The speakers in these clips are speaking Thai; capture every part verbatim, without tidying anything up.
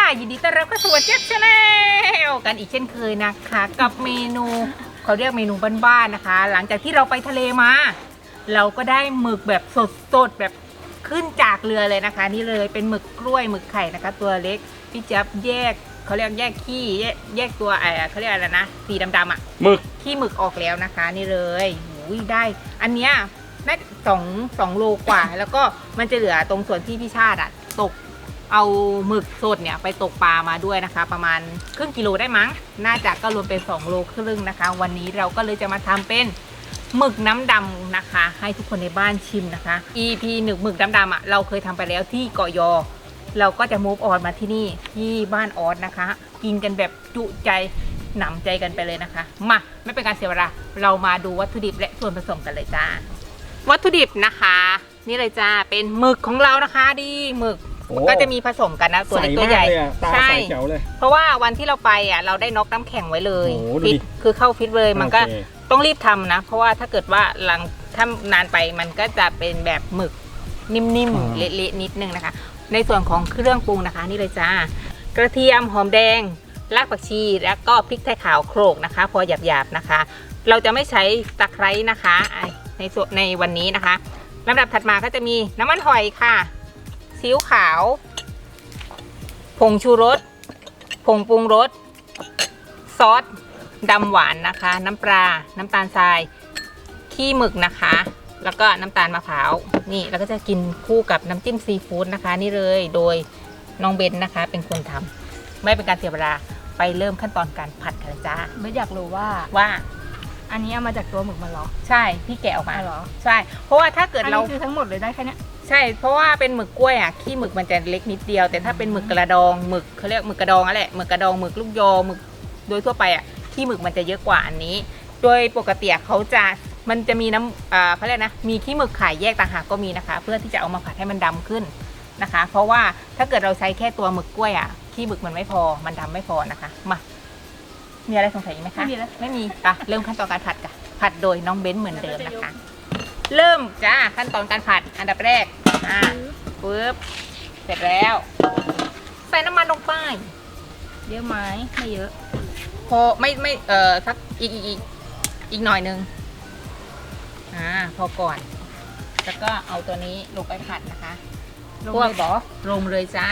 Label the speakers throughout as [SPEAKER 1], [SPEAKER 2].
[SPEAKER 1] ยินดีต้อนรับเข้าสู่เจี๊ยบชาแนลกันอีกเช่นเคยนะคะกับเมนูเขาเรียกเมนูบ้านๆนะคะ หลังจากที่เราไปทะเลมาเราก็ได้หมึกแบบสดๆแบบขึ้นจากเรือเลยนะคะนี่เลยเป็นหมึกกล้วยหมึกไข่นะคะตัวเล็กพี่เจี๊ยบแยกเขาเรียกแยกขี้แยกแยกตัวอะไรเขาเรียกอะไรนะสีดำๆอ่ะ
[SPEAKER 2] หมึก
[SPEAKER 1] ขี้หมึกออกแล้วนะคะนี่เลยอุ้ยได้อันเนี้ยน่าสองสองโลกว่าแล้วก็มันจะเหลือตรงส่วนที่พี่ชาติอ่ะตกเอาหมึกสดเนี่ยไปตกปลามาด้วยนะคะประมาณครึ่งกิโลได้มั้งน่าจะก็รวมเป็นสองโลครึ่งนะคะวันนี้เราก็เลยจะมาทำเป็นหมึกน้ำดำนะคะให้ทุกคนในบ้านชิมนะคะ อี พี หนึ่งหมึกน้ำดำอ่ะเราเคยทำไปแล้วที่เกาะยอเราก็จะมูฟออนมาที่นี่ที่บ้านออสนะคะกินกันแบบจุใจหนำใจกันไปเลยนะคะมาไม่เป็นการเสียเวลาเรามาดูวัตถุดิบและส่วนผสมกันเลยจ้าวัตถุดิบนะคะนี่เลยจ้าเป็นหมึกของเรานะคะดีหมึกก็จะมีผสมกันนะตัวเล็กตัวใหญ่
[SPEAKER 2] ใช่เจ๋วเลย
[SPEAKER 1] เพราะว่าวันที่เราไปอ่ะเราได้น็อกน้ำแข็งไว้เลยฟิตคือเข้าฟิตเลยมันก็ต้องรีบทำนะเพราะว่าถ้าเกิดว่าหลังถ้านานไปมันก็จะเป็นแบบหมึกนิ่มๆเละๆนิดนึงนะคะในส่วนของเครื่องปรุงนะคะนี่เลยจ้ากระเทียมหอมแดงรากผักชีแล้วก็พริกไทยขาวโขลกนะคะพอหยาบๆนะคะเราจะไม่ใช้ตะไคร้นะคะในส่วนในวันนี้นะคะลำดับถัดมาก็จะมีน้ำมันหอยค่ะซีอิ๊วขาวผงชูรสผงปรุงรสซอสดำหวานนะคะน้ำปลาน้ำตาลทรายขี้หมึกนะคะแล้วก็น้ำตาลมะพร้าวนี่แล้วก็จะกินคู่กับน้ำจิ้มซีฟู้ดนะคะนี่เลยโดยน้องเบนนะคะเป็นคนทำไม่เป็นการเสียเวลาไปเริ่มขั้นตอนการผัดกันจ้า
[SPEAKER 3] ไม่อยากรู้ว่า
[SPEAKER 1] ว่า
[SPEAKER 3] อันนี้เอามาจากตัวหมึกมันหรอ
[SPEAKER 1] ใช่พี่แกะออกมา
[SPEAKER 3] เหรอ
[SPEAKER 1] ใช่เพราะว่าถ้าเกิดเรา
[SPEAKER 3] คือทั้งหมดเลยได้แค่นี้
[SPEAKER 1] ใช่เพราะว่าเป็นหมึกกล้วยอ่ะขี้หมึกมันจะเล็กนิดเดียวแต่ถ้าเป็นหมึกกระดองหมึกเขาเรียกหมึกกระดองนั่นแหละหมึกกระดองหมึกลูกยอหมึกโดยทั่วไปอ่ะขี้หมึกมันจะเยอะกว่าอันนี้โดยปกติเขาจะมันจะมีน้ำอ่าเขาเรียกนะมีขี้หมึกขายแยกต่างหากก็มีนะคะเพื่อที่จะเอามาผัดให้มันดำขึ้นนะคะเพราะว่าถ้าเกิดเราใช้แค่ตัวหมึกกล้วยอ่ะขี้หมึกมันไม่พอมันดำไม่พอนะคะมามีอะไรสงสัยไหมคะ
[SPEAKER 3] ไม่มีแล้ว
[SPEAKER 1] ไม่มีอ่ะเริ่มขั้นตอนการผัดกันผัดโดยน้องเบ้นเหมือนเดิมนะคะเริ่มจ้าขั้นตอนการผัดอันดับแรกอ่าปึ๊บเสร็จแล้วใส่น้ำมันลงไป
[SPEAKER 3] เยอะไหมไม่เยอะ
[SPEAKER 1] พอไม่ไม่เอ่อสักอีกอีกอีกอีกหน่อยนึงอ่าพอก่อนแล้วก็เอาตัวนี้ลงไปผัดนะคะ
[SPEAKER 3] ลงเลยบอ
[SPEAKER 1] ลงเลยจ้า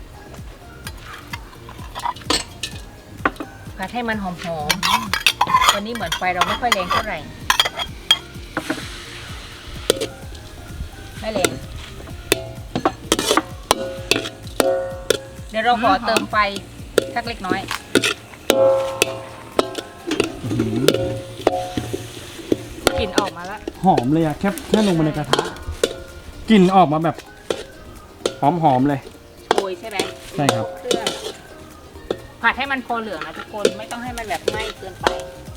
[SPEAKER 1] ผัดให้มันหอมๆวันนี้เหมือนไฟเราไม่ค่อยแรงเท่าไหร่ไม่แรงเดี๋ยวเราขอเติมไฟสักเล็กน้อยกลิ่นออกมาแล้ว
[SPEAKER 2] หอมเลยอะแค่แค่ลงมาในกระทะกลิ่นออกมาแบบหอมหอมเลย
[SPEAKER 1] โชยใช่ไหม
[SPEAKER 2] ใช่ครับ
[SPEAKER 1] เครื่องผัดให้มันพอเหลืองนะทุกคนไม่ต้องให้มันแบบไหม้เกินไป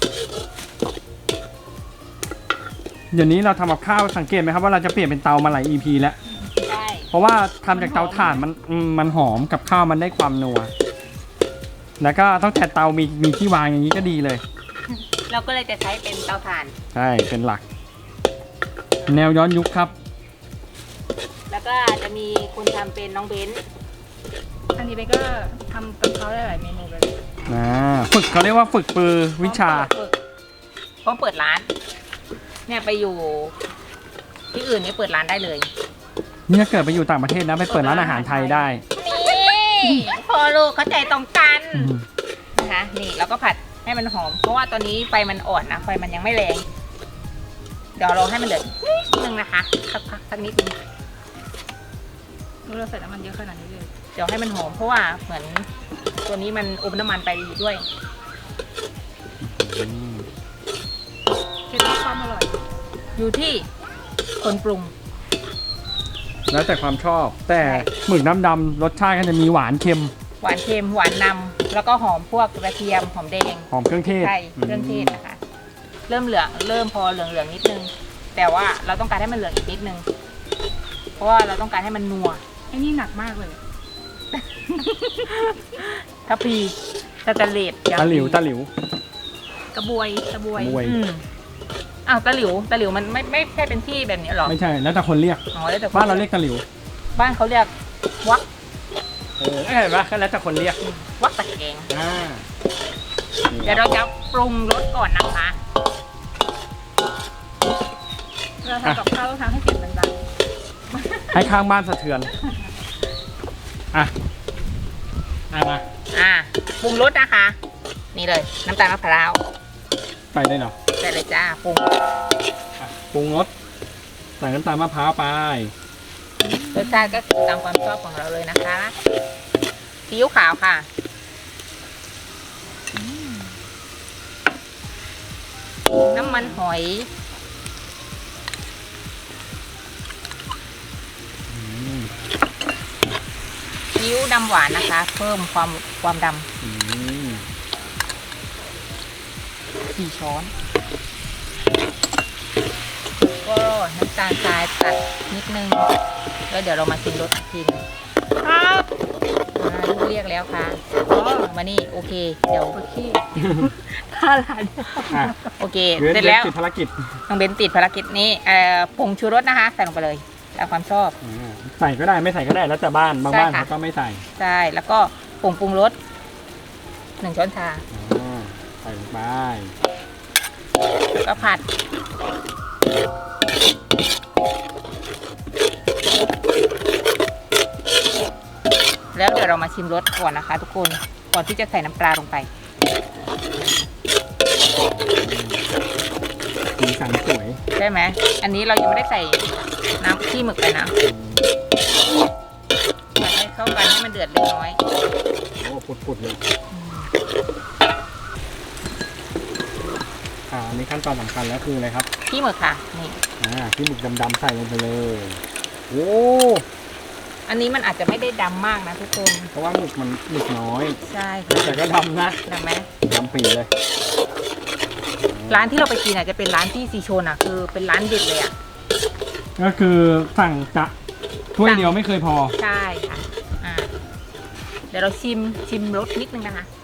[SPEAKER 2] เดี๋ยวนี้เราทำกับข้าวสังเกตไหมครับว่าเราจะเปลี่ยนเป็นเตามาหลาย อี พี แล้ว
[SPEAKER 1] ใช่
[SPEAKER 2] เพราะว่าทำจากเตาถ่านมันมันหอมกับข้าวมันได้ความนัวแล้วก็ต้องแต่เตามีมีที่วางอย่างนี้ก็ดีเลย
[SPEAKER 1] เราก็เลยจะใช้เป็นเตาถ่าน
[SPEAKER 2] ใช่เป็นหลักแนวย้อนยุคครับ
[SPEAKER 1] แล้วก็จะมีคุณทำเป็นน้องเบนซ์
[SPEAKER 3] อันนี้เบนก็ทำกับเขาได้หลายเมนูเลย
[SPEAKER 2] อ่าฝึกเขาเรียกว่าฝึกปือวิชา
[SPEAKER 1] เพราะเปิดร้านเนี่ยไปอยู่ที่อื่นเนี่ยเปิดร้านได้เลย
[SPEAKER 2] นี่ถ้าเกิดไปอยู่ต่างประเทศนะไปเปิดร้านอาหารไทยได้
[SPEAKER 1] นี่พอลูกเข้าใจตรงกันนะคะนี่เราก็ผัดให้มันหอมเพราะว่าตอนนี้ไฟมันอ่อนนะไฟมันยังไม่แรงเดี๋ยวเราให้มันเหลือนิดนึงนะคะสักพักสักนิดนึง
[SPEAKER 3] เราใส่น้ำมันเยอะขนาดนี้เลย
[SPEAKER 1] เดี๋ยวให้มันหอมเพราะว่าเหมือนตัวนี้มันอมน้ำมันไปด้วย
[SPEAKER 3] เคล็ดลับความอร่อย
[SPEAKER 1] อยู่ที่คนปรุง
[SPEAKER 2] แล้วแต่ความชอบแต่หมึกน้ำดำรสชาติก็จะมีหวานเค็ม
[SPEAKER 1] หวานเค็มหวานนำแล้วก็หอมพวกกระเทียมหอมแดง
[SPEAKER 2] หอมเครื่องเทศ
[SPEAKER 1] ใช่เครื่องเทศนะคะเริ่มเหลืองเริ่มพอเหลืองเหลืองนิดนึงแต่ว่าเราต้องการให้มันเหลืองอีกนิดนึงเพราะว่าเราต้องการให้มันนัว
[SPEAKER 3] ไอ้นี่หนักมากเลย
[SPEAKER 1] ทัพพีตะตะเล็บ
[SPEAKER 2] ตะหลิวตะหลิว
[SPEAKER 3] กระบวยกระบวย
[SPEAKER 1] อ้าวตะหลิวตะหลิวมันไม่ไม่ใช่เป็นที่แบบนี้หรอ
[SPEAKER 2] ไม่ใช่แล้วแต่คนเรียก
[SPEAKER 1] อ๋อแล้วแต่
[SPEAKER 2] บ้านเราเรียกตะหลิว
[SPEAKER 1] บ้านเขาเรียกวัก
[SPEAKER 2] วเออเห็นปะก็แล้วแต่คนเรียก
[SPEAKER 1] วัดตะแกง
[SPEAKER 2] อ่า
[SPEAKER 1] เดี๋ยวเราจะปรุงรสก่อนนะคะ
[SPEAKER 3] เราทำกับข้าวต้องทำให้เสียงดัง
[SPEAKER 2] ให้ข้างบ้านสะเทือนอ่ะอ่ะมา
[SPEAKER 1] อ่าปรุงรสนะคะ นี่เลยน้ำตาลมะพร้าว
[SPEAKER 2] ไปได้เนาะ
[SPEAKER 1] ใส่เลยจ้าปรุง
[SPEAKER 2] อ่ะปรุงรสใส่น้ำตาลมะพร้าวไป
[SPEAKER 1] รสชาติก็คือตามความชอบของเราเลยนะคะซีอิ๊วขาวค่ะน้ำมันหอยซีอิ๊วดำหวานนะคะ เพิ่มความความด
[SPEAKER 2] อืม
[SPEAKER 1] ำสี่ช้อน ก็น้ำตาลทรายตัดนิดนึง แล้วเดี๋ยวเรามาชิมรสอีกทีหนึง
[SPEAKER 3] ๆครับ
[SPEAKER 1] อ่าลูกเรียกแล้วค่ะอ๋อมานี่โอเค เดี๋ยว
[SPEAKER 3] โอเคท่าหลาน
[SPEAKER 2] อ่ะ
[SPEAKER 1] โอเค
[SPEAKER 2] เว้น
[SPEAKER 1] เสร็จแล้ว
[SPEAKER 2] ติดภารกิจ
[SPEAKER 1] น้องเบนติดภารกิจนี้เอ่อผงชูรสนะคะใส่ลงไปเลยตามความชอบ
[SPEAKER 2] อ่าใส่ก็ได้ไม่ใส่ก็ได้แล้วแต่บ้านบาง
[SPEAKER 1] ใช่
[SPEAKER 2] บ้าน
[SPEAKER 1] ค่ะ
[SPEAKER 2] เขาก็ไม่ใส่
[SPEAKER 1] ใช่แล้วก็ผงปรุงรสหนึ่งช้อนชา
[SPEAKER 2] อ่าใส่ลงไป
[SPEAKER 1] แล้วก็ผัดแล้วเดี๋ยวเรามาชิมรสก่อนนะคะ ทุกคนก่อนที่จะใส่น้ำปลาลงไป
[SPEAKER 2] สีสันสวย
[SPEAKER 1] ใช่ไหมอันนี้เรายังไม่ได้ใส่น้ำขี้หมึกไปนะผัดให้เข้ากันให้มันเดือดเล็กน้อย
[SPEAKER 2] โอ้ปุดๆเลยอ่าอันนี้ขั้นตอนสำคัญแล้วคืออะไรครับ
[SPEAKER 1] ขี้หมึกค่ะนี่
[SPEAKER 2] อ่าที่หมึกดำๆใส่ลงไปเลยโอ้
[SPEAKER 1] อันนี้มันอาจจะไม่ได้ดำมากนะทุกคน
[SPEAKER 2] เพราะว่าหมึกมันหมึกน้อย
[SPEAKER 1] ใช่ค่ะ
[SPEAKER 2] แต่ก็ดำนะ
[SPEAKER 1] ดำไหม
[SPEAKER 2] ดำปีเลย
[SPEAKER 1] ร้านที่เราไปกินอ่ะจะเป็นร้านที่ซีโชนอ่ะคือเป็นร้านเด็ดเลยอ่ะ
[SPEAKER 2] ก็คือสั่งจะถ้วยเดียวไม่เคยพอ
[SPEAKER 1] ใช่ค่ะอ่าเดี๋ยวเราชิมชิมรสนิดนึงนะคะ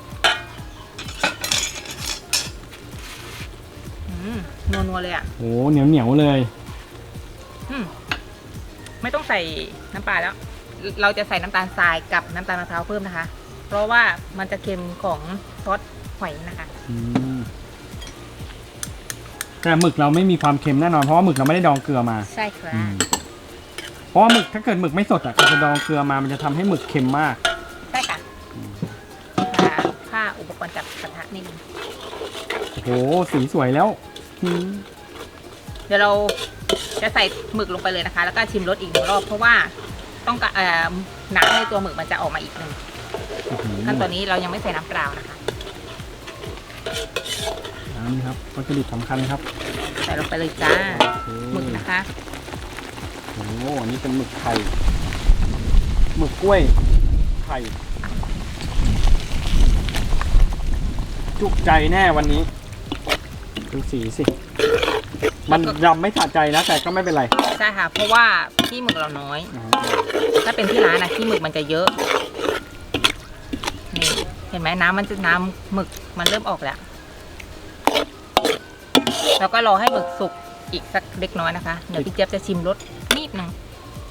[SPEAKER 1] อืมนัวๆเลยอ่ะ
[SPEAKER 2] โอ้เหนียวเหนียวๆเลย
[SPEAKER 1] อืมไม่ต้องใส่น้ำปลาแล้ว เราจะใส่น้ำตาลทรายกับน้ำตาลมะพร้าวเพิ่มนะคะ เพราะว่ามันจะเค็มของซอสหอยนะคะ
[SPEAKER 2] อืมแต่หมึกเราไม่มีความเค็มแน่นอนเพราะว่าหมึกเราไม่ได้ดองเกลือมา
[SPEAKER 1] ใช่ครับ
[SPEAKER 2] อืมเพราะว่าหมึกถ้าเกิดหมึกไม่สดอ่ะเราดองเกลือมามันจะทำให้หมึกเค็มมาก
[SPEAKER 1] ใช่ค่ะอ่าค่าอุปกรณ์จับกระทะนิดนึง
[SPEAKER 2] โอ้โหสีสวยแล้วอืม
[SPEAKER 1] เดี๋ยวเราจะใส่หมึกลงไปเลยนะคะ แล้วก็ชิมรสอีกหนึ่งรอบเพราะว่าต้องการเอ่อน้ำในตัวหมึกมันจะออกมาอีกหนึ่งขั้นตอนนี้เรายังไม่ใส่น้ำเปล่านะคะ
[SPEAKER 2] น้ำครับวัตถุดิบสำคัญครับ
[SPEAKER 1] ใส่ลงไปเลยจ้า
[SPEAKER 2] โอเค
[SPEAKER 1] หมึกนะคะ
[SPEAKER 2] โอ้โหอันนี้เป็นหมึกไข่หมึกกล้วยไข่จุกใจแน่วันนี้ดูสีสิ มันยำไม่สะใจนะแต่ก็ไม่เป็นไร
[SPEAKER 1] ใช่ค่ะ เพราะว่าขี้หมึกเราน้อย ถ้าเป็นที่ร้านนะขี้หมึกมันจะเยอะนี่เห็นไหมน้ำมันจะน้ำหมึกมันเริ่มออกแล้วแล้วก็รอให้หมึกสุกอีกสักเล็กน้อยนะคะเดี๋ยวพี่เจี๊ยบจะชิมรสนิดนึง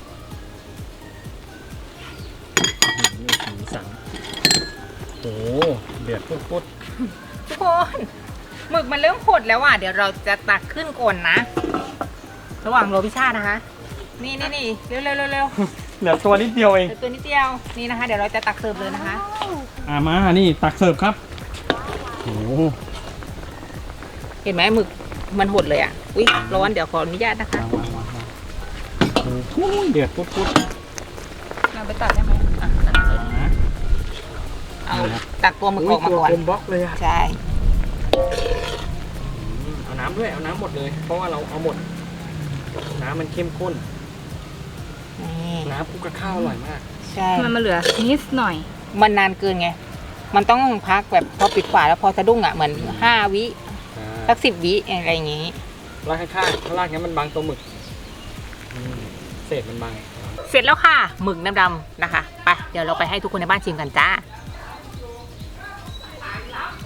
[SPEAKER 2] สีสันโอ้เดือดปุ๊ดปุ๊ด
[SPEAKER 1] ทุกคนหมึกมันเริ่มหดแล้วอ่ะเดี๋ยวเราจะตักขึ้นก่อนนะ ระหว่างโรพิชานะคะ นี่นี่นี่เร็วเร็วเร็วเร็ว
[SPEAKER 2] เหลือตัวนิดเดียวเอง
[SPEAKER 1] เหลือตัวนิดเดียวนี่นะคะ เดี๋ยวเราจะตักเสิร์ฟเลยนะคะ
[SPEAKER 2] อ่ามานี่ตักเสิร์ฟครับโอ้
[SPEAKER 1] เห็นไหมหมึกมันหดเลยอ่ะอุ้ยร้อนเดี๋ยวขออนุญาตนะคะ
[SPEAKER 2] วางวางวางโอ้โหเดือดปุ๊ดปุ๊ด
[SPEAKER 1] เราไปตักได้ไหมอ่ะตักเลย
[SPEAKER 2] นะ
[SPEAKER 1] เอาตักตัวหมึกออกมาก่อน
[SPEAKER 2] ตัวคุมบล็อกเลยอะ
[SPEAKER 1] ใช่
[SPEAKER 2] เอาน้ำด้วยเอาน้ำหมดเลย เพราะว่าเราเอาหมด น้ำมันเข้มข้น
[SPEAKER 1] นี่
[SPEAKER 2] น้ำคลุกกับข้าวอร่อยมาก
[SPEAKER 1] ใช่
[SPEAKER 3] มันมาเหลือนิดหน่อย
[SPEAKER 1] มันนานเกินไงมันต้องพักแบบพอปิดฝาแล้วพอสะดุ้งอ่ะเหมือนห้าวิสักสิบวิอะไรอย่างงี้
[SPEAKER 2] ลากข้างๆข้างล่างนี้มันบางตัวหมึกอืมเศษมันบาง
[SPEAKER 1] เสร็จแล้วค่ะหมึกน้ำดำนะคะไปเดี๋ยวเราไปให้ทุกคนในบ้านชิมกันจ้า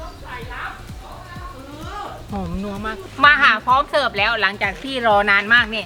[SPEAKER 1] หอมนัวมากมาหาพร้อมเสิร์ฟแล้วหลังจากที่รอนานมากเนี่ย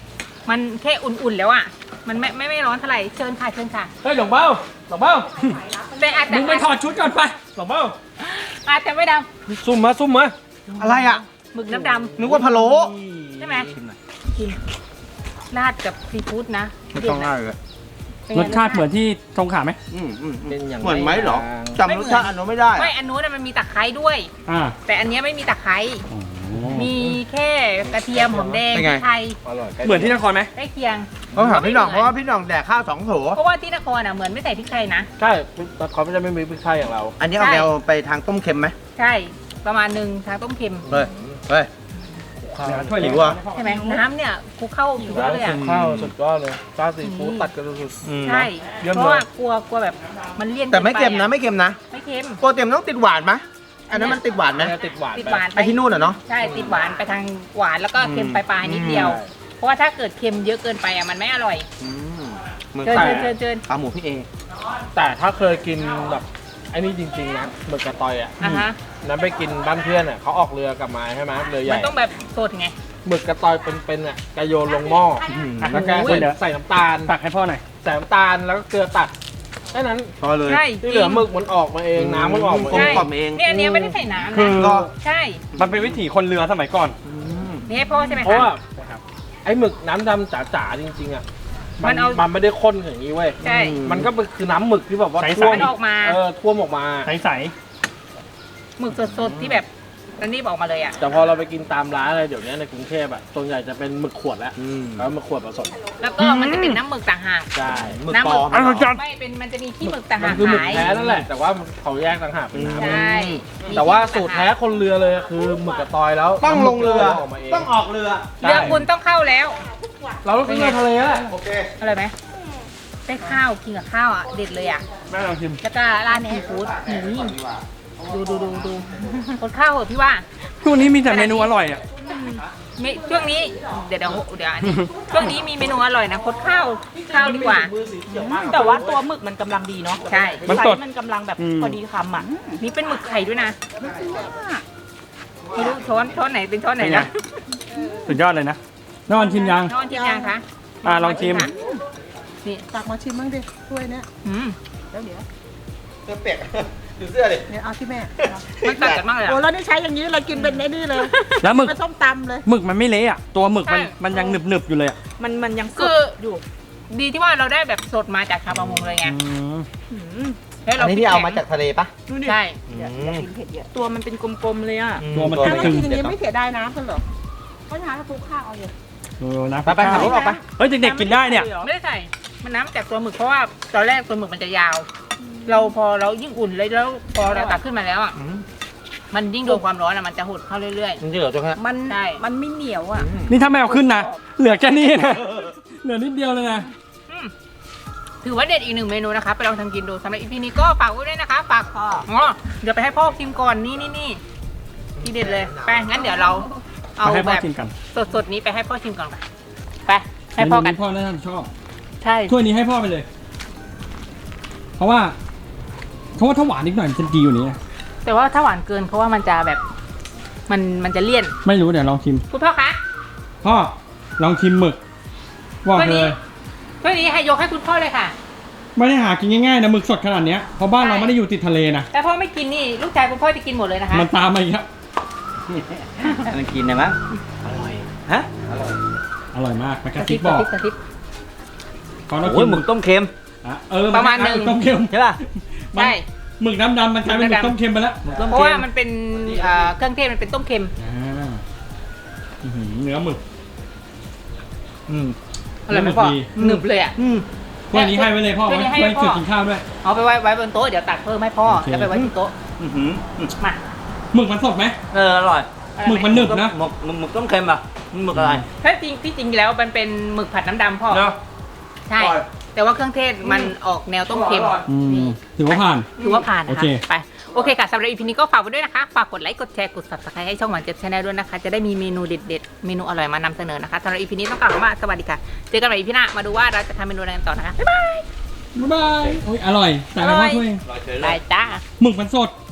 [SPEAKER 1] มันแค่อุ่นๆแล้วอ่ะมันไม่ไม่ไม่ร้อนเท่าไหร่เชิญค่ะเชิญค่ะ
[SPEAKER 2] เฮ้ยหลงเบ้าหลงเบ้า
[SPEAKER 1] แต่อาจจะ
[SPEAKER 2] มึงไปถอดชุดก่อนไปหลงเบ้า
[SPEAKER 1] อาจจะไม่ด
[SPEAKER 2] ซุ่มมาซุ่มมา
[SPEAKER 4] อะไรอ่ะ
[SPEAKER 1] ำหมึกน้ำด
[SPEAKER 4] นึกว่าพะโล้
[SPEAKER 1] ำใช่ไหมกินราดกับซีฟู้ดนะ
[SPEAKER 4] ไม่ต้องง่ายเลย
[SPEAKER 1] ป็นไง
[SPEAKER 2] รสชาติเหมือนที่ทงขาไหม
[SPEAKER 4] อืมอืม
[SPEAKER 5] เป็นอย่าง
[SPEAKER 4] เหมือนไหมเหรอ
[SPEAKER 5] ไร
[SPEAKER 4] จำรสชาติอันนู้นไม่ได้
[SPEAKER 1] ไม่อันนู้นนะมันมีตะไคร้ด้วย
[SPEAKER 2] อ่า
[SPEAKER 1] แต่อันเนี้ยไม่มีตะไคร้มีแค่กระเทียมหอมแดง
[SPEAKER 4] เป็นไง
[SPEAKER 1] พริกไทย
[SPEAKER 5] อร่อยใกล้
[SPEAKER 2] เหมือนที่นครไหม
[SPEAKER 1] ใกล้เคียง
[SPEAKER 4] ต้องถามพี่หน่องเพราะว่าพี่หน่องแดกข้าวสองโถ
[SPEAKER 1] เพราะว่าที่นครอ่ะเหมือนไม่ใส่พริกไทยนะ
[SPEAKER 5] ใช่แต่เขาไม่ได้ไม่มีพริกไทยอย่างเรา
[SPEAKER 4] อันนี้เอา
[SPEAKER 1] ใช่
[SPEAKER 4] แนวไปทางต้มเค็มไหม
[SPEAKER 1] ใช่ประมาณหนึ่งทางต้มเค็ม
[SPEAKER 4] เฮ้ยเฮ้ย
[SPEAKER 2] ถ้วย
[SPEAKER 4] หิ
[SPEAKER 2] เล็ก
[SPEAKER 4] วอ่ะ
[SPEAKER 1] ใช่ไหมน้ำเนี่ยคลุกเข้าสุดยอดเลยอ่ะ
[SPEAKER 5] ข้าวสุดยอดเลยจ้าซีฟู้ดตัดกันสุด
[SPEAKER 1] ใช่
[SPEAKER 5] เยี่ยมเลย
[SPEAKER 1] เพราะว่ากลัวกลัวแบบมันเลี่ยน
[SPEAKER 4] แต่ไม่เค็ม
[SPEAKER 1] กิ
[SPEAKER 4] นะ
[SPEAKER 1] ปอ
[SPEAKER 4] ไม่เค็มนะ
[SPEAKER 1] ไม่เค็ม
[SPEAKER 4] โปรเต็มต้องติดหวานไหมอันนั้นมันติดหวานไหม
[SPEAKER 5] ๆติดหวาน
[SPEAKER 1] ติด
[SPEAKER 5] ไป
[SPEAKER 1] หวานไป
[SPEAKER 4] ไอที่นู่นอ่ะเนาะ
[SPEAKER 1] ใช่ติดหวานไปทางหวานแล้วก็เค็ม
[SPEAKER 4] อืม
[SPEAKER 1] ปลายๆนิดเดียว เพราะว่าถ้าเกิดเค็มเยอะเกินไปอ่ะมันไม่อร่อย
[SPEAKER 4] อืมเหมือน
[SPEAKER 1] เชิญ
[SPEAKER 4] ไก่
[SPEAKER 1] เชิญเชิญเชิญ
[SPEAKER 4] ขาหมูพี่เอ
[SPEAKER 5] แต่ถ้าเคยกินแบบไอ้นี่จริงๆนะหมึกกระตอยอ่ะ
[SPEAKER 1] อ่ะฮะ
[SPEAKER 5] นั้นไปกินบ้านเพื่อนอ่ะเขาออกเรือกลับมาใช่ไหมเรือให
[SPEAKER 1] มั
[SPEAKER 5] ญ่
[SPEAKER 1] นต้องแบบสดไง
[SPEAKER 5] หมึกกระตอยเป็นๆอ่ะกระโยนลงหม้อแล้วแก
[SPEAKER 1] โอ้
[SPEAKER 5] ใส่
[SPEAKER 1] ย
[SPEAKER 5] ใส่น้ำตาล
[SPEAKER 2] ตักให้พ่อหน่อย
[SPEAKER 5] ใส่น้ำตาลแล้วก็เกลือตัดแค่นั้น
[SPEAKER 4] พอเลย
[SPEAKER 1] ใช่
[SPEAKER 5] ที่เหลือหมึกมันออกมาเองน้ำมันออกมา
[SPEAKER 4] กล
[SPEAKER 5] เอ
[SPEAKER 4] ม
[SPEAKER 5] ง
[SPEAKER 4] กล่อมเอง
[SPEAKER 1] เนี่ยอันเนี้ยไม่ได้ใส่น้ำ
[SPEAKER 2] คื
[SPEAKER 1] นะ
[SPEAKER 2] อ
[SPEAKER 1] ใช่
[SPEAKER 2] มันเป็นวิถีคนเรือสมัยก่อน
[SPEAKER 1] นี่ให้พ่อใช่ไหม
[SPEAKER 5] เพราะ
[SPEAKER 1] คะ
[SPEAKER 5] ว่าไอ้หมึกน้ำดำจ๋าๆจริงๆอ่ะ
[SPEAKER 1] มั
[SPEAKER 5] มัน น
[SPEAKER 1] เอา
[SPEAKER 5] มันไม่ได้ข้นอย่างนี้เว้ย
[SPEAKER 1] ใช่
[SPEAKER 5] มันก็คือน้ำหมึกที่แบบว่า
[SPEAKER 2] ใสๆ
[SPEAKER 5] ท่วม
[SPEAKER 1] มันออกมา
[SPEAKER 5] เออท่วมออกมา
[SPEAKER 2] ใส
[SPEAKER 1] หมึกสดๆที่แบบอันนี้บอกมาเลยอ่ะ
[SPEAKER 5] แต่พอเราไปกินตามร้านอะไรเดี๋ยวนี้ในกรุงเทพอ่ะส่วนใหญ่จะเป็นหมึกขวดแล้ว
[SPEAKER 4] อืม
[SPEAKER 5] แล้วหมึกขวดผสม
[SPEAKER 1] แล้วก็มันจะเป็นน้ำหมึกต่างหาก
[SPEAKER 5] ใช่
[SPEAKER 4] หมึก
[SPEAKER 1] น้ำห
[SPEAKER 4] ป
[SPEAKER 1] มึ
[SPEAKER 4] ล
[SPEAKER 1] ก
[SPEAKER 4] อม
[SPEAKER 2] อร่อยจัง
[SPEAKER 1] ไม่เป็นมันจะมีขี้หมึกต่าง
[SPEAKER 5] มั
[SPEAKER 1] หาน ก
[SPEAKER 5] คือหมึก
[SPEAKER 1] ขาย
[SPEAKER 5] แท้นั่นแหละ แต่ว่าเขาแยกต่างหากเป็นน้ำ
[SPEAKER 1] ใช่มี
[SPEAKER 5] แต่ว่า
[SPEAKER 1] ขี้หมึ
[SPEAKER 5] สู
[SPEAKER 1] ก
[SPEAKER 5] ตรแท้คนเรือเลยคือหมึกกระตอยแล้ว
[SPEAKER 4] ต้องลงเรือ
[SPEAKER 5] น้ำหมึกออกมาเอง
[SPEAKER 4] ต้องออกเรือ
[SPEAKER 1] เรือคุณต้องเข้าแล้ว
[SPEAKER 5] เราต้องกินเรือทะเลแหละ
[SPEAKER 4] โอเค
[SPEAKER 1] อะไรไหมได้ข้าวกินกับข้าวอ่ะเด็ดเลยอ่ะ
[SPEAKER 2] ๆแม่ลองชิม
[SPEAKER 1] แล้วก็ร้านซีฟู้ดหมูดูดูดูดูคนข้าวเหอะพี่ว่า
[SPEAKER 2] ช่วงนี้มีแต่เมนูอร่อยอ่ะ
[SPEAKER 1] มีช่วงนี้เดี๋ยวเดี๋ยวเดี๋ยวอันนี้ช่วงนี้มีเมนูอร่อยนะคดข้าวข้าวดีกว่า
[SPEAKER 6] แต่ว่าตัวหมึกมันกำลังดีเนาะ
[SPEAKER 1] ใช่
[SPEAKER 2] มัน
[SPEAKER 6] ไซ
[SPEAKER 2] สด
[SPEAKER 6] ส์มันกำลังแบบ
[SPEAKER 2] อืม
[SPEAKER 6] พอดีคำอ่ะ
[SPEAKER 1] นี่เป็นหมึกไข่ด้วยนะไม่รู้ช้อนช้อนไหนเป็นช้อนไหน
[SPEAKER 2] เป็นไง
[SPEAKER 1] นะ
[SPEAKER 2] สุดยอดเลยนะนอนชิมยัง
[SPEAKER 1] ช้อนชิมยังคะ
[SPEAKER 2] อ่ะลองชิม
[SPEAKER 1] นี่
[SPEAKER 6] ตักมาชิมบ้างดิถ้วยเนี้ย
[SPEAKER 1] อืม
[SPEAKER 6] แล้วเดี๋ยว
[SPEAKER 4] เสื้อเปียกดูเสื้อดิ
[SPEAKER 6] เนี่ยเอาที่แม่
[SPEAKER 1] มันตัดกันมากเลย
[SPEAKER 6] โอ้
[SPEAKER 1] อะ
[SPEAKER 6] แล้วนี่ใช้อย่างนี้เลยกินเป็นไอ้นี่เลย
[SPEAKER 2] แล้วหมึก
[SPEAKER 6] เป็นส้มตำเลย
[SPEAKER 2] หมึกมันไม่เละอ่ะ ตัวหมึกมัน
[SPEAKER 1] ใช่
[SPEAKER 2] มันยังหนึบหนึบๆอยู่เลยอ่ะ
[SPEAKER 6] มันมันยังส
[SPEAKER 1] คื
[SPEAKER 6] ด
[SPEAKER 1] อ
[SPEAKER 6] อยู่
[SPEAKER 1] ดีที่ว่าเราได้แบบสดมาจากชาวประมงเลยไง
[SPEAKER 2] อืม
[SPEAKER 6] หืม
[SPEAKER 1] แล้ว
[SPEAKER 4] อั
[SPEAKER 1] เรา
[SPEAKER 4] นนี้ที่เอามาจากทะเลปะ
[SPEAKER 6] ดูดิ
[SPEAKER 1] ใช่
[SPEAKER 6] อย่าอย่ากินเผ็ดเยอะตัวมันเป็นกลมๆเลยอ่ะ
[SPEAKER 2] ตัวมัน
[SPEAKER 6] ถ้าเรา
[SPEAKER 2] ตึง
[SPEAKER 6] กินอย่างนี้ไม่เสียดายน้ำเพื่อนเหรอเพราะน้ำถ้าคลุกข้าวเอาเลย
[SPEAKER 2] ๆเออนะ
[SPEAKER 4] ไปไปขับรถออกไป
[SPEAKER 2] เฮ้ยเด็กๆกินได้เนี่ย
[SPEAKER 1] ไม่ได้ใส่มันน้ำจากตัวหมึกเพราะว่าตอนแรกตัวหมึกมันจะยาว เราพอเรายิ่งอุ่นเลยแล้วพอเราตักขึ้นมาแล้วอ่ะมันยิ่งโดนความร้อนอ่ะมันจะหดเข้าเรื่อย
[SPEAKER 4] จริงๆเหรอจ๊ะ
[SPEAKER 6] มัน
[SPEAKER 1] ใช่
[SPEAKER 6] มันไม่เหนียวอ่ะ
[SPEAKER 2] นี่ถ้าไม่เอาขึ้นนะ เหลือแค่นี้นะ เหลือนิดเดียวเลยนะ
[SPEAKER 1] ๆอืมถือว่าเด็ดอีกหนึ่งเมนูนะคะไปลองทำกินดูสำหรับอีพีนี้ก็ฝากไว้ด้วยนะคะฝากพ่ออ๋อเดี๋ยวไปให้พ่อชิมก่อนนี่นี่นี่ที่เด็ดเลยไปงั้นเดี๋ยวเราเอา
[SPEAKER 2] มาให้
[SPEAKER 1] แบ
[SPEAKER 2] พ่อบ ชิมกัน
[SPEAKER 1] สดๆนี้ไปให้พ่อชิมก่อนไปให้พ่อกัน
[SPEAKER 2] เมพ่อน่าจะชอบ
[SPEAKER 1] ใช่
[SPEAKER 2] ถ้วยนี้ให้พ่อไปเลย เพราะว่าเพราะว่าถ้าหวานนิดหน่อยมันจะดีอยู่านี้นะ
[SPEAKER 1] แต่ว่าถ้าหวานเกินเขาว่ามันจะแบบ มันมันจะเลี่ยน
[SPEAKER 2] ไม่รู้เดี๋ยวลองชิม
[SPEAKER 1] คุณพ่อคะ
[SPEAKER 2] พ่อลองชิมหมึกบอก
[SPEAKER 1] ถ้วย
[SPEAKER 2] เล
[SPEAKER 1] นี้
[SPEAKER 2] ย
[SPEAKER 1] ถ้วยนี้ให้ยกให้คุณพ่อเลยค่ะ
[SPEAKER 2] ไม่ได้หากินง่ายๆนะหมึกสดขนาดเนี้ยเพราะบ้านเราไม่ได้อยู่ติดทะเลนะ
[SPEAKER 1] แต่พ่อไม่กินนี่ลูกชายคุณพ่อจะกินหมดเลยนะคะ
[SPEAKER 2] มันตามมาอีกครับ
[SPEAKER 4] มันกินได้ไหมฮะ
[SPEAKER 2] อร่อยมากมันก
[SPEAKER 1] ก
[SPEAKER 2] ระ
[SPEAKER 1] ระ
[SPEAKER 2] ซิ
[SPEAKER 1] ซิ
[SPEAKER 2] บบ บอก
[SPEAKER 1] กระซิบ
[SPEAKER 2] ขอเรา
[SPEAKER 4] โอ้
[SPEAKER 2] กิ
[SPEAKER 4] ย
[SPEAKER 2] น
[SPEAKER 4] หมึกต้มเค็ม
[SPEAKER 2] อ่ะเออ
[SPEAKER 1] ประมาณหนึ่ง
[SPEAKER 2] ต้มเค็ม
[SPEAKER 4] ใช่ป่ะ
[SPEAKER 2] มัน
[SPEAKER 1] ใช่
[SPEAKER 2] หมึกน้ำดำมันกลายเป็นหมึกต้มเค็มไปแล้ว
[SPEAKER 1] เพราะว่ามันเป็นเอ่อเครื่องเทศมันเป็นต้มเค็ม
[SPEAKER 2] อ่าอื้อหือเนื้อหมึก อืม
[SPEAKER 1] อร่อยไหมพ่อ
[SPEAKER 2] ดี
[SPEAKER 1] หนึบเลยอ่ะ
[SPEAKER 2] ถ้วยนี้ให้ไว้เลยพ่อ
[SPEAKER 1] ถ้วย
[SPEAKER 2] ไว้
[SPEAKER 1] นี้ให้
[SPEAKER 2] ไว้
[SPEAKER 1] พ่อ
[SPEAKER 2] เสิร์ฟกินข้าวด้วย
[SPEAKER 1] เอาไปไว้ไว้บนโต๊ะเดี๋ยวตักเพิ่มให้พ่อ
[SPEAKER 2] โอเค
[SPEAKER 1] แล้วไปไว้ที่โต๊ะ
[SPEAKER 4] อื้อหือ
[SPEAKER 1] มา
[SPEAKER 2] หมึกมันสดไหม
[SPEAKER 4] เอออร่อย
[SPEAKER 2] หมึกมันหนึบนะ
[SPEAKER 4] หมึกหมึกหมึกต้มเค็มอ่ะหมึกอะไร
[SPEAKER 1] ถ้าจริงที่จริงแล้วมันเป็นหมึกผัดน้ำดำพ่อ
[SPEAKER 4] เนาะ
[SPEAKER 1] ใช่
[SPEAKER 4] อร่อย
[SPEAKER 1] แต่ว่าเครื่องเทศมันออกแนวต้มเค็ม
[SPEAKER 2] อืมถือว่าผ่าน
[SPEAKER 1] ถือว่าผ่านนะ
[SPEAKER 2] โอ
[SPEAKER 1] คะ
[SPEAKER 2] เค
[SPEAKER 1] ไปโอเคค่ะสำหรับอีพีนี้ก็ฝากไว้ด้วยนะคะ ฝากกดไลค์กดแชร์กด ซับสไครบ์ ให้ช่องหวานเจ็ดชาแนลด้วยนะคะ จะได้มีเมนูเด็ดๆ เมนูอร่อยมานำเสนอนะคะสำหรับอีพีนี้ต้องกล่าวคำว่าสวัสดีค่ะ เจอกันใหม่อีพีหน้ามาดูว่าเราจะทำเมนูอะไรกันต่อนะคะบ๊ายบาย
[SPEAKER 2] บ๊ายบายโอ้ยอร่อย แต่ไม่
[SPEAKER 1] อร่
[SPEAKER 2] พ่
[SPEAKER 1] อ
[SPEAKER 2] อย ช่วย
[SPEAKER 1] บายจ้า
[SPEAKER 2] หมึกมันสด